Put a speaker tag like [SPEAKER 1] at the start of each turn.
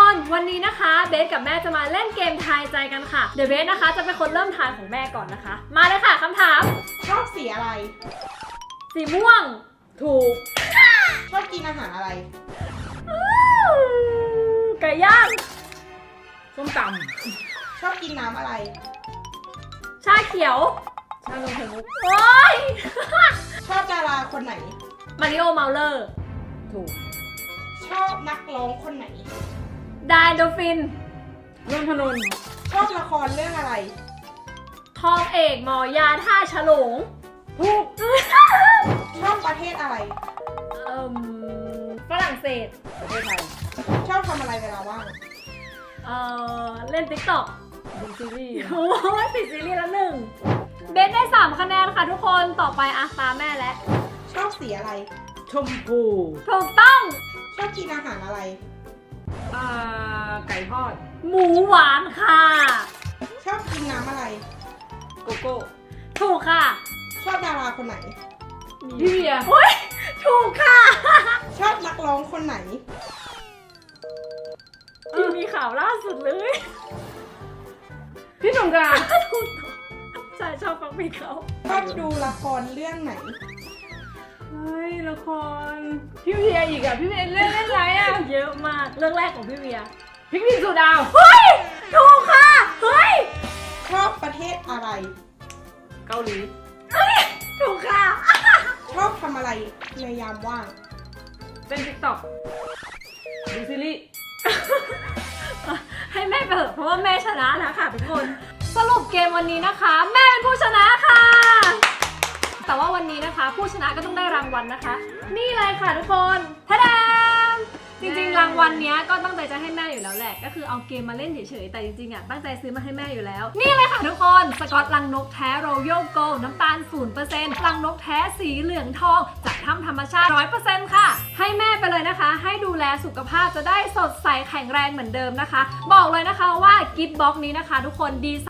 [SPEAKER 1] คนวันนี้นะคะเบสกับแม่จะมาเล่นเกมทายใจกันค่ะเดี๋ยวเบสนะคะจะเป็นคนเริ่มทายของแม่ก่อนนะคะมาเลยค่ะคำถาม
[SPEAKER 2] ชอบสีอะไร
[SPEAKER 1] สีม่วงถูก
[SPEAKER 2] ชอบกินอาหารอะไร
[SPEAKER 1] ไก่ย่าง
[SPEAKER 3] ส้มต
[SPEAKER 2] ชอบกินน้ำอะไร
[SPEAKER 1] ชาเขียว
[SPEAKER 3] ำชานมไข่มุก
[SPEAKER 1] โอ๊ย
[SPEAKER 2] ชอบดาราคนไหน
[SPEAKER 1] มาริโอเมาเลอร์
[SPEAKER 3] ถูก
[SPEAKER 2] ชอบนักร้องคนไหน
[SPEAKER 1] ไดโดฟิน
[SPEAKER 3] นนทนนท์
[SPEAKER 2] ชอบละครเรื่องอะไร
[SPEAKER 1] ทองเอกหมอยาท่าฉลง
[SPEAKER 3] ถูก
[SPEAKER 2] ชอบประเทศอะไร
[SPEAKER 1] ฝรั่งเศส
[SPEAKER 3] ประเทศไทย
[SPEAKER 2] ชอบทำอะไรเวลาว่าง
[SPEAKER 1] เล่น TikTok
[SPEAKER 3] ดูซีรีส์
[SPEAKER 1] โอ้ยติดซีรีส์ละหนึ่งเบสได้3คะแนนค่ะทุกคนต่อไปตามแม่แล้ว
[SPEAKER 2] ชอบสีอะไร
[SPEAKER 3] ชมพู
[SPEAKER 1] ถูกต้อง
[SPEAKER 2] ชอบกินอาหารอะไร
[SPEAKER 3] ไก่ทอด
[SPEAKER 1] หมูหวานค่ะ
[SPEAKER 2] ชอบกินน้ำอะไร
[SPEAKER 3] โกโก้
[SPEAKER 1] ถูกค่ะ
[SPEAKER 2] ชอบดาราคนไหน
[SPEAKER 3] พี่เวีย
[SPEAKER 1] โอ้ยถูกค่ะ
[SPEAKER 2] ชอบนักร้องคนไหน
[SPEAKER 1] ที่มีข่าวล่าสุดเลย
[SPEAKER 3] พี่สงกรานต์
[SPEAKER 1] ถูกใช่ชอบฟังเพลงเขา
[SPEAKER 2] ชอบดูละครเรื่องไหน
[SPEAKER 3] เฮ้ยละครพี่เวียอีกอ่ะพี่เวียเล่นอะไรอ่ะ
[SPEAKER 1] เยอะมากเรื่องแรกของพี่เวีย
[SPEAKER 3] พริกพินสุดาว
[SPEAKER 1] เฮ้ยถูกค่ะเฮ้ย
[SPEAKER 2] ชอบประเทศอะไร
[SPEAKER 3] เกาหลี
[SPEAKER 1] ถูกค่ะ
[SPEAKER 2] ชอบทำอะไรในยามว่าง
[SPEAKER 3] เล่น TikTok ดูซีรีส์
[SPEAKER 1] ให้แม่ไปเถอะเพราะว่าแม่ชนะแล้วค่ะทุกคนสรุปเกมวันนี้นะคะ แม่เป็นผู้ชนะค่ะแต่ว่าวันนี้นะคะผู้ชนะก็ต้องได้รางวัลนะคะนี่เลยค่ะทุกคนทะดามจริงๆรางวัลนี้ก็ตั้งใจจะให้แม่อยู่แล้วแหละก็คือเอาเกมมาเล่นเฉยๆแต่จริงๆตั้งใจซื้อมาให้แม่อยู่แล้วนี่เลยค่ะทุกคนสกอตลังนกแท้โรยัลโกลด์น้ำตาล 0% ลังนกแท้สีเหลืองทองจากถ้ำธรรมชาติ 100% ค่ะให้แม่ไปเลยนะคะให้ดูแลสุขภาพจะได้สดใสแข็งแรงเหมือนเดิมนะคะบอกเลยนะคะว่ากิฟต์บ็อกซ์นี้นะคะทุกคนดี